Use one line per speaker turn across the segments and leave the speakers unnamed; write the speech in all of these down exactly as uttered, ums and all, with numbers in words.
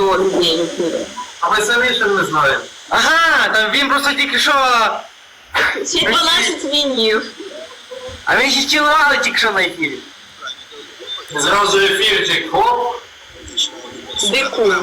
сто людей.
А ми самі ще не знаємо.
Ага, там він просто тільки що...
Ще дванадцять вінів.
А він ще цілували тільки що на ефірі.
Зразу ефірчик, хоп.
Дику.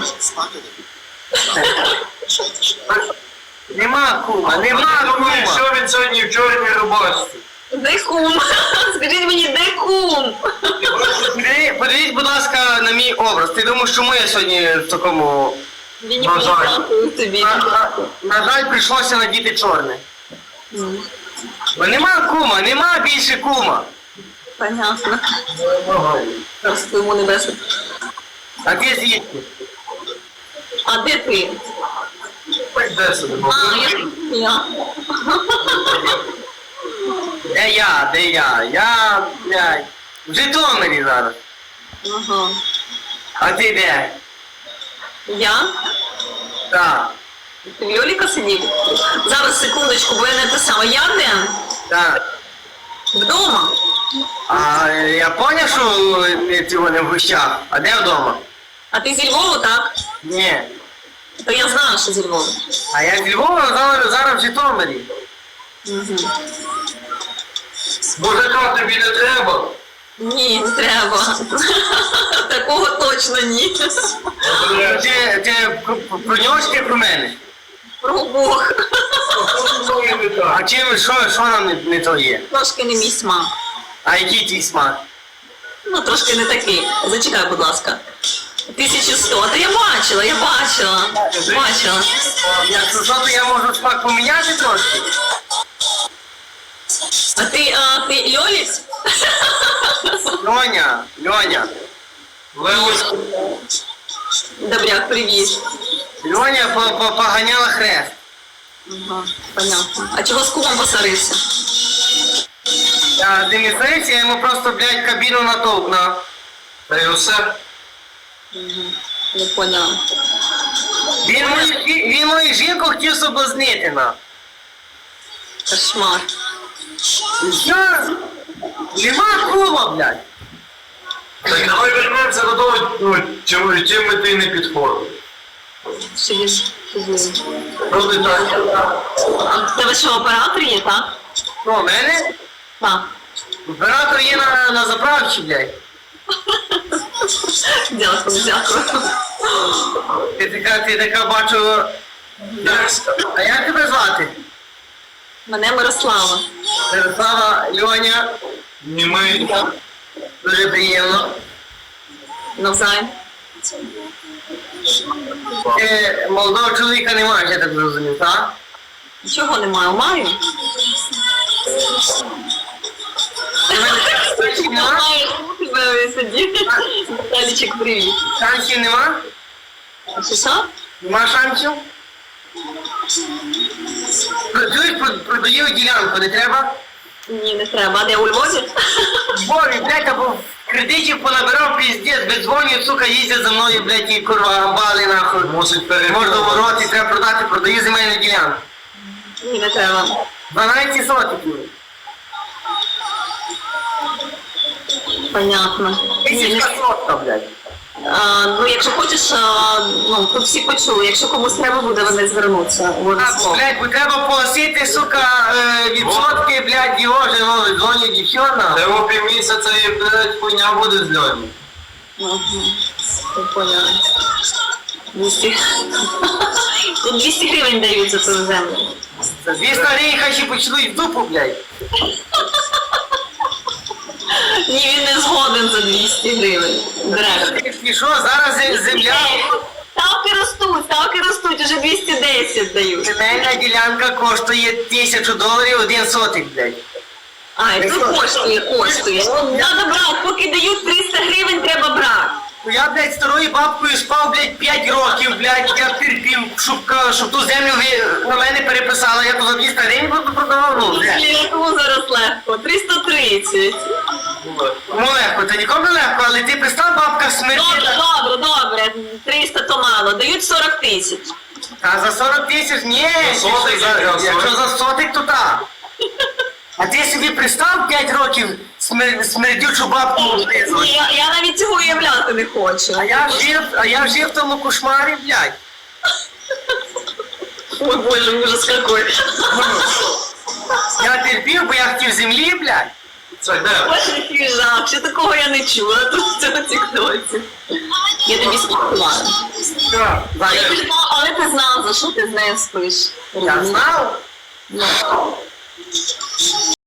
Нема кума, нема
Я думаю,
кума.
що він сьогодні в чорній рубашці.
Де кум? Скажіть мені, де кум?
Подиві- Подивіть, будь ласка, на мій образ. Ти думаєш, чому я сьогодні в такому...
Він не
На жаль.
дякую тобі.
На, на, на жаль, прийшлося надіти чорне. Бо нема кума, нема більше кума.
Понятно. Просто йому небесно.
А ти звідки?
А де ти?
Де собі,
А, я я.
Де я, де я? Я, блядь, в Житомирі зараз.
Ага.
А ти де?
Я?
Так,
Ти в Льоліка сидів? Зараз, секундочку, бо я не те саме. Я де?
так.
Вдома?
А я поняв, що я цього не в гущах. А де вдома?
А ти зі Львову, так?
Ні.
То я знала, що зі Львову.
А я з Львова зараз, зараз в Житомирі.
Угу.
Мужика тобі не треба.
Ні, не треба. Такого точно ні.
Ти, ти про- про нього чи ти про мене?
Про Бог.
А чим, що, що нам не, не то є?
Трошки не мій смак.
А який твій смак?
Ну, трошки не такий. Зачекай, будь ласка. тисяча сто. Та я бачила, я бачила. Бачила.
Якщо що, то я можу смак поміняти трошки.
А ти, а, ти Льоліць?
Льоня, Льоня.
Левось.
Добряк, привіт.
Льоня по- по- поганяла хрест.
Ага, понятно. А чого з кумом посарився?
А, ти не знаєш, я йому просто, блядь, кабіну натовкнув.
Та й усе.
Не поняла.
Він мою, жі- він мою жінку хотів соблазнити, на.
Кошмар.
Я... Нема кума, блядь.
Так давай вернемося до того, ну, чим, чим ми ти не підходив.
Що він?
Просто так.
А в тебе що, оператор є, так?
Що, в мене?
Так.
Оператор є на, на заправці, блядь.
Дякую, дякую.
Ти така, ти така бачу... А як тебе звати?
Мене Мирослава.
Мирослава, Льоня.
Німий.
Дуже приємно.
Навзаєм.
Ти молодого чоловіка не маєш, я так зрозумів, так?
Нічого немає, маю.
Шансів нема?
Маю, тебе сидів. Віталічик, привіт.
Шансів нема?
А що, що?
Нема шансів? Чуєш, про- продаю ділянку, не треба?
Ні, не треба. А де, у Львові?
Бові, блядь, або в кредитів понабирав піздець, бездзвонюють, сука, їздять за мною, блядь, і курва, амбали, нахуй.
Мусить перейти.
Можна вороти, треба продати, продаю земельну ділянку.
Ні, не треба.
дванадцять сотиків.
Понятно. Ні, не...
Тисячка сотка, блядь.
А, ну, якщо хочеш, а, ну, тут всі почули. Якщо комусь треба буде, вони звернуться.
А,
Обов'язково.
блядь, бо треба погасити, сука, е, відсотки, блядь, його же, ну, дзвонять дівчина.
Та його півмісяця і, блядь, хуйня буде з Льоні.
Ага. Я поняла. двісті. Тут двісті гривень дають за ту землю.
За двісті гривень хай ще поцілують в дупу, блядь.
Ні, він не згоден за двісті гривень. Директор.
І що, зараз зе- земля,
Ставки ростуть, ставки ростуть, уже двісті десять дають.
земельна ділянка коштує тисячу доларів один сотик, блядь.
А, і тут коштує, коштує. Надо брати, поки дають триста гривень, треба брати.
Ну я, блядь, старою бабкою спав, блядь, п'ять років, блядь, я терпів, щоб, ка- щоб ту землю ви на мене переписали, я то за двісті гривень буду продавав, ну, блядь.
Кому зараз легко? триста тридцять.
Ну легко, це нікому не легко, але ти пристав, бабка
Добре,
смертіла.
добре, добре. триста то мало. Дають сорок тисяч.
А за сорок тисяч, ні,
За сотик,
якщо за,
за
якщо
сорок.
за сотик, то так. А ти собі пристав п'ять років, смер... смердючу бабку внизу.
Ні, я, я навіть цього уявляти не хочу.
А я жив, а я жив в тому кошмарі, блядь.
Ой, боже, ужас какой.
Я терпів, бо я хотів землі, блядь.
Це де?
Боже, який жах, ще такого я не чула тут в цьому тіктоці. Я тобі спілкувала.
Що?
Але ти знав, але ти знав, за що ти з нею спиш.
Я знав.
Ну.